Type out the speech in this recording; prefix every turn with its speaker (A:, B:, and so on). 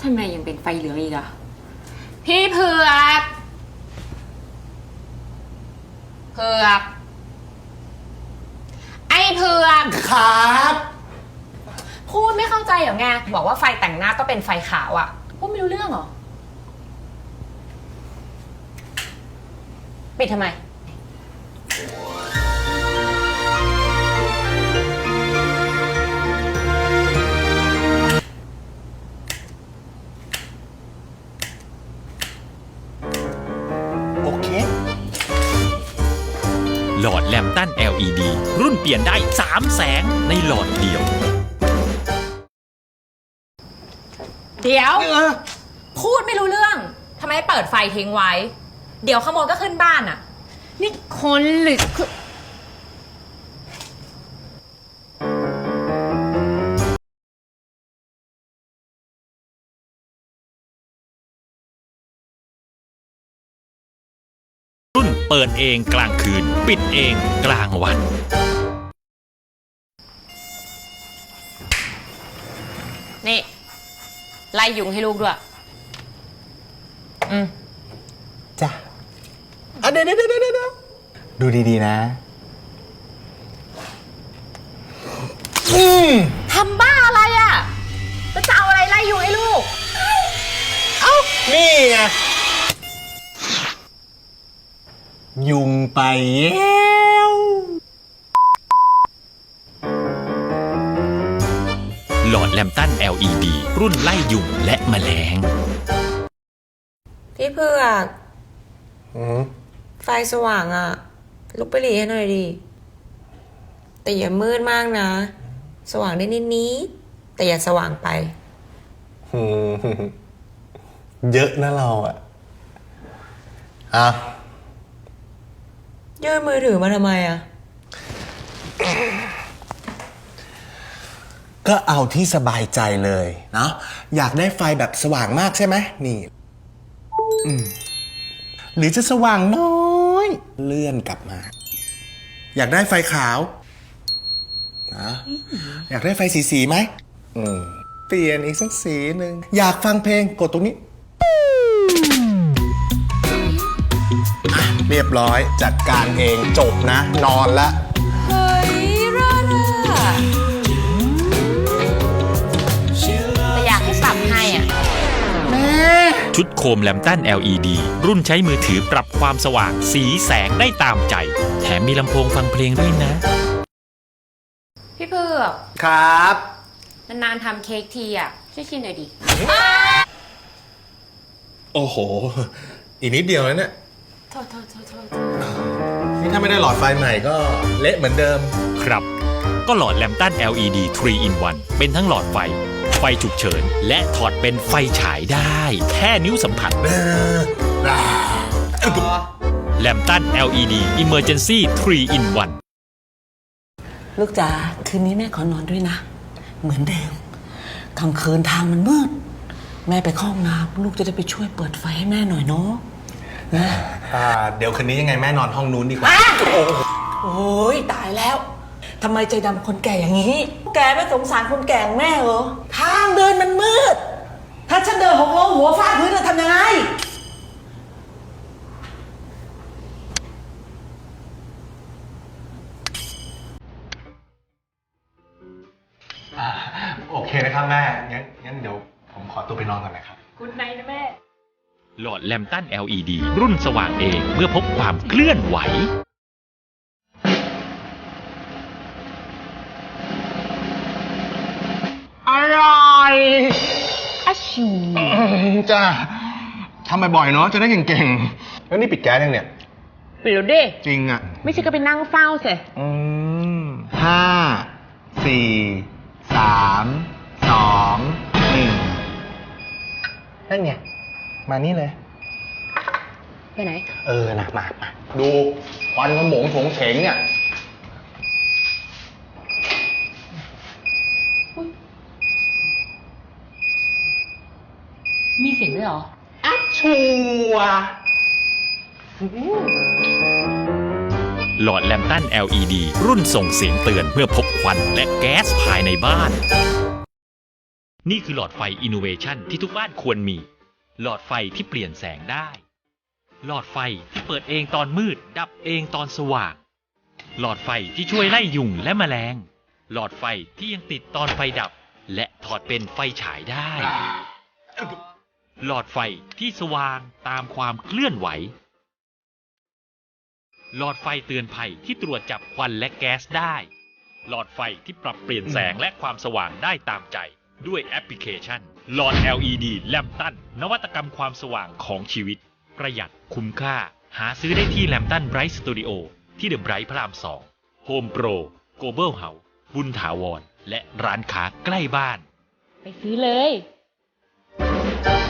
A: ทำไมยังเป็นไฟเหลืองอีกอะพี่เผือกไอ้เผือก
B: ครับ
A: พูดไม่เข้าใจเหรอไงบอกว่าไฟแต่งหน้าต้องเป็นไฟขาวอะพูดไม่รู้เรื่องเหรอปิดทำไม
B: โอเค
C: หลอดแลมตัน LED รุ่นเปลี่ยนได้3 แสงในหลอดเดียว
A: เดี๋ยวพูดไม่รู้เรื่องทำไมเปิดไฟทิ้งไว้เดี๋ยวขโมยก็ขึ้นบ้านอะนี่คนหรือ
C: รุ่นเปิดเองกลางคืนปิดเองกลางวัน
A: นี่ไล่ยุงให้ลูกด้วย
B: จ้ะเดี๋ยวดูดีๆนะ
A: ทำบ้าอะไรอ่ะจะเอาอะไรไล่ยุงให้ลูก
B: นี่ไงยุงไปแล้ว
C: หลอดแลมตัน LED รุ่นไล่ยุงและแมลง
D: พี่เผือกไฟสว่างอะลุกไปหลีให้หน่อยดิแต่อย่ามืดมากนะสว่างได้นิดๆแต่อย่าสว่างไป
B: เยอะนะเราอ่ะ
D: ยื่นมือถือมาทำไมอะ
B: ก็เอาที่สบายใจเลยเนาะอยากได้ไฟแบบสว่างมากใช่ไหมนี่หรือจะสว่างน้อยเลื่อนกลับมาอยากได้ไฟขาวนะอยากได้ไฟสีไหมเปลี่ยนอีกสักสีหนึ่งอยากฟังเพลงกดตรงนี้เรียบร้อยจัดการเองจบนะนอนละ
A: เฮ้ยรอดอะแต่อยากให้ปรับให้อ่ะ
C: ชุดโคมแลมตัน LED รุ่นใช้มือถือปรับความสว่างสีแสงได้ตามใจแถมมีลำโพงฟังเพลงด้วยนะ
A: พี่เผือก
B: ครับ
A: นานๆทำเค้กทีอ่ะช่วยชิมหน่อยดิ
B: โอ้โหอีกนิดเดียวแล้วเนี่ย
A: โทษ
B: นี่ถ้าไม่ได้หลอดไฟใหม่ก็เละเหมือนเดิม
C: ครับก็หลอดแลมตัน LED 3 in 1เป็นทั้งหลอดไฟไฟฉุกเฉินและถอดเป็นไฟฉายได้แค่นิ้วสัมผัสแลมตัน LED Emergency 3 in 1
E: ลูกจ๋าคืนนี้แม่ขอนอนด้วยนะเหมือนเดิมกลางคืนทางมันมืดแม่ไปเข้าห้องน้ำลูกจะได้ไปช่วยเปิดไฟให้แม่หน่อยเนาะนะ
B: เดี๋ยวคืนนี้ยังไงแม่นอนห้องนู้นดีกว่า
E: โอ้ยตายแล้วทำไมใจดำคนแก่อย่างนี้แกไม่สงสารคนแก่แม่เหรอทางเดินมันมืดถ้าฉันเดินหกล้มหัวฟาดพื้นจะทำยังไง
B: โอเคนะครับแม่งั้นเดี๋ยวผมขอตัวไปนอนก่อนนะครับ
A: กุ๊ดไนท์นะแม่
C: หลอดแลมตัน LED รุ่นสว่างเองเมื่อพบความเคลื่อนไหว
B: อร่อย
A: ชิว
B: จ้าทำบ่อยๆเนาะจะได้เก่งๆแล้วนี่ปิดแก๊สยังเนี่ย
A: ปิดแล้วดิ
B: จริงอ่ะ
A: ไม่ใช่ก็ไปนั่งเฝ้าสิ
B: 5 4 3 2 1นั่นไงมานี่เลย
A: ไปไหน
B: นะมาดูควันขโมงโฉงเฉงเนี่ย
A: มีเสียงด้วยเหรอ
B: ชัว
C: หลอดแลมตัน LED รุ่นส่งเสียงเตือนเมื่อพบควันและแก๊สภายในบ้านนี่คือหลอดไฟอินโนเวชันที่ทุกบ้านควรมี หลอดไฟที่เปลี่ยนแสงได้ หลอดไฟที่เปิดเองตอนมืดดับเองตอนสว่าง หลอดไฟที่ช่วยไล่ยุงและแมลง หลอดไฟที่ยังติดตอนไฟดับ และถอดเป็นไฟฉายได้ หลอดไฟที่สว่างตามความเคลื่อนไหว หลอดไฟเตือนภัยที่ตรวจจับควันและแก๊สได้ หลอดไฟที่ปรับเปลี่ยนแสงและความสว่างได้ตามใจด้วยแอปพลิเคชัน หลอด LED แลมตันนวัตกรรมความสว่างของชีวิต ประหยัดคุ้มค่า หาซื้อได้ที่แลมตันไบรท์สตูดิโอที่เดอะไบรท์พระราม2 โฮมโปร โกลบอลเฮาส์ บุญถาวร และร้านค้าใกล้บ้าน
A: ไปซื้อเลย